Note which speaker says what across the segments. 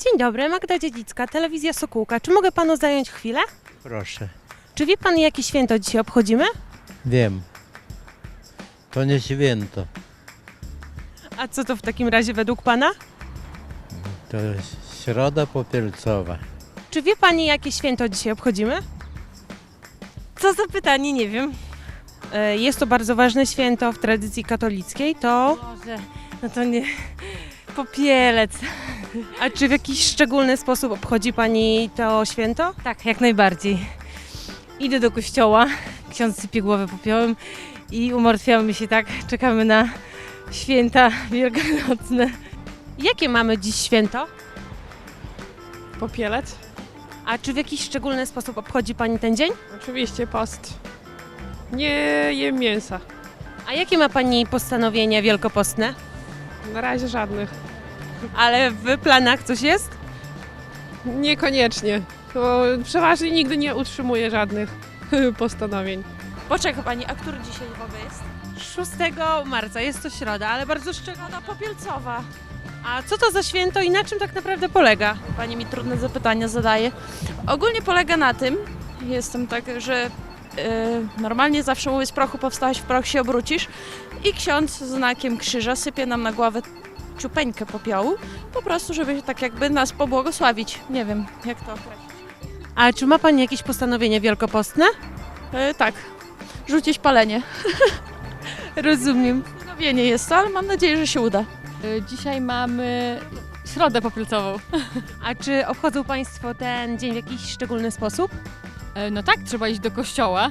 Speaker 1: Dzień dobry, Magda Dziedzicka, Telewizja Sokółka. Czy mogę panu zająć chwilę?
Speaker 2: Proszę.
Speaker 1: Czy wie pan, jakie święto dzisiaj obchodzimy?
Speaker 2: Wiem. To nie święto.
Speaker 1: A co to w takim razie według pana?
Speaker 2: To jest Środa Popielcowa.
Speaker 1: Czy wie pani, jakie święto dzisiaj obchodzimy?
Speaker 3: Co za pytanie, nie wiem.
Speaker 1: Jest to bardzo ważne święto w tradycji katolickiej, to...
Speaker 3: Może, no to nie... Popielec.
Speaker 1: A czy w jakiś szczególny sposób obchodzi pani to święto?
Speaker 3: Tak, jak najbardziej. Idę do kościoła, ksiądz sypie głowę popiołem i umartwiamy się tak, czekamy na święta wielkanocne.
Speaker 1: Jakie mamy dziś święto?
Speaker 4: Popielec?
Speaker 1: A czy w jakiś szczególny sposób obchodzi pani ten dzień?
Speaker 4: Oczywiście post. Nie jem mięsa.
Speaker 1: A jakie ma pani postanowienia wielkopostne?
Speaker 4: Na razie żadnych.
Speaker 1: Ale w planach coś jest?
Speaker 4: Niekoniecznie. Bo przeważnie nigdy nie utrzymuję żadnych postanowień.
Speaker 5: Poczekaj pani, a który dzisiaj w ogóle jest?
Speaker 1: 6 marca, jest to środa, ale bardzo szczególna.
Speaker 5: Środa Popielcowa.
Speaker 1: A co to za święto i na czym tak naprawdę polega?
Speaker 5: Pani mi trudne zapytania zadaje. Ogólnie polega na tym, jestem tak, że normalnie zawsze mówię z prochu powstałeś, w proch się obrócisz i ksiądz znakiem krzyża sypie nam na głowę ciupeńkę popiołu, po prostu, żeby tak jakby nas pobłogosławić. Nie wiem, jak to określić.
Speaker 1: A czy ma pani jakieś postanowienia wielkopostne?
Speaker 5: Tak, rzucić palenie.
Speaker 1: Rozumiem.
Speaker 5: Postanowienie jest to, ale mam nadzieję, że się uda.
Speaker 3: Dzisiaj mamy Środę Popielcową.
Speaker 1: A czy obchodzą państwo ten dzień w jakiś szczególny sposób?
Speaker 3: No tak, trzeba iść do kościoła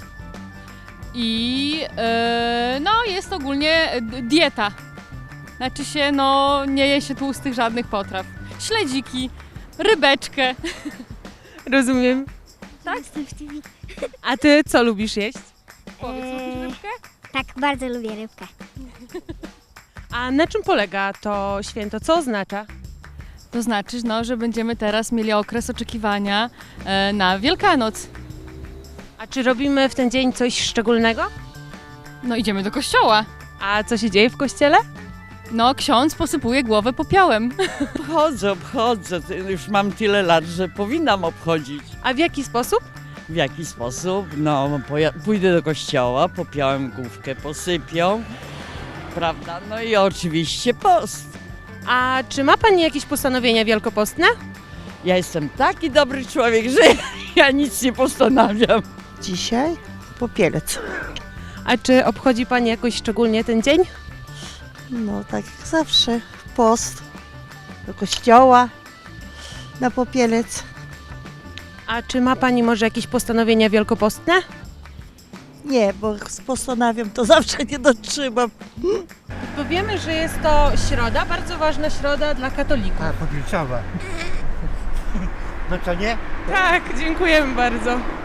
Speaker 3: i no jest ogólnie dieta. Znaczy się, no nie je się tłustych żadnych potraw. Śledziki, rybeczkę.
Speaker 1: Rozumiem.
Speaker 6: Tak, jestem w TV.
Speaker 1: A ty co lubisz jeść?
Speaker 3: Powiedz, lubisz rybkę?
Speaker 6: Tak, bardzo lubię rybkę.
Speaker 1: A na czym polega to święto? Co oznacza?
Speaker 3: To znaczy, no, że będziemy teraz mieli okres oczekiwania na Wielkanoc.
Speaker 1: A czy robimy w ten dzień coś szczególnego?
Speaker 3: No idziemy do kościoła.
Speaker 1: A co się dzieje w kościele?
Speaker 3: No ksiądz posypuje głowę popiołem.
Speaker 7: Obchodzę. Już mam tyle lat, że powinnam obchodzić.
Speaker 1: A w jaki sposób?
Speaker 7: W jaki sposób? No, pójdę do kościoła, popiołem główkę, posypią, prawda? No i oczywiście post.
Speaker 1: A czy ma pani jakieś postanowienia wielkopostne?
Speaker 7: Ja jestem taki dobry człowiek, że ja nic nie postanawiam.
Speaker 8: Dzisiaj Popielec.
Speaker 1: A czy obchodzi pani jakoś szczególnie ten dzień?
Speaker 8: No tak jak zawsze. Post. Do kościoła. Na Popielec.
Speaker 1: A czy ma pani może jakieś postanowienia wielkopostne?
Speaker 8: Nie, bo postanawiam, to zawsze nie dotrzymam.
Speaker 1: Bo wiemy, że jest to środa, bardzo ważna środa dla katolików.
Speaker 9: A, Popielcowa. No to nie?
Speaker 1: Tak, dziękujemy bardzo.